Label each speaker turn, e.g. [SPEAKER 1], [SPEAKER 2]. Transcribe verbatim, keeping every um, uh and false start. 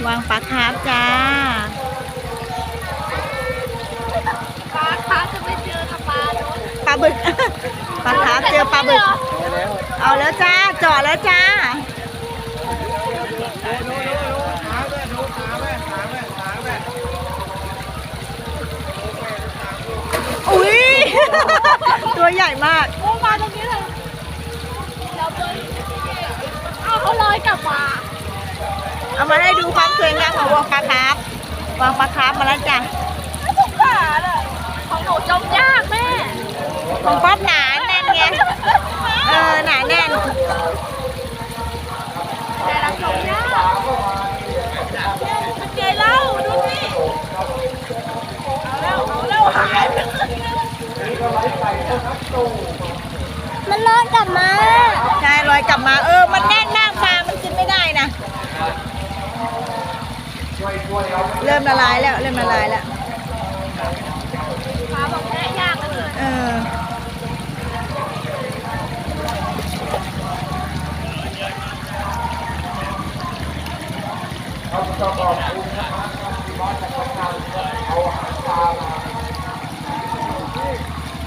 [SPEAKER 1] วางปลาคาร์ฟจ้า
[SPEAKER 2] ปลาคาร์ฟจะไม่เจอกับปลาโดน
[SPEAKER 1] ปลาบึก ปลาคาร์ฟเจอปลาบึกเอาแล้วจ้าเจาะแล้วจ้าอุ้ย ตัวใหญ่มาก
[SPEAKER 2] โอ้มาตรงนี้เลยเราเจอเอาเขาลอยกลับมา
[SPEAKER 1] เอามาให้ดูความสวยงามของวางปลาคาร์ฟวางปลาคาร์ฟมาแล้วจ้ะ
[SPEAKER 2] ไม่สงสารอ่ะของหนูจมยากแม่
[SPEAKER 1] ของป๊อปหนาแน่นไงเออหนาแน่น
[SPEAKER 2] แต่เราจมยากเป็นไงเล่าดูสิเอาแล้วเอาแล้วหายไปมันลอยกลับมา
[SPEAKER 1] ใช่ลอยกลับมาเออมันแน่นมากปลามันกินไม่ได้นะเริ่มละลายแล้วเริ่มละลายแล้ว
[SPEAKER 2] ปลาบอกแค่ยากเลย
[SPEAKER 1] เออ
[SPEAKER 3] เราจะบอกคุณนะครับที่วัดจักรพรรดิเอาหางปลามา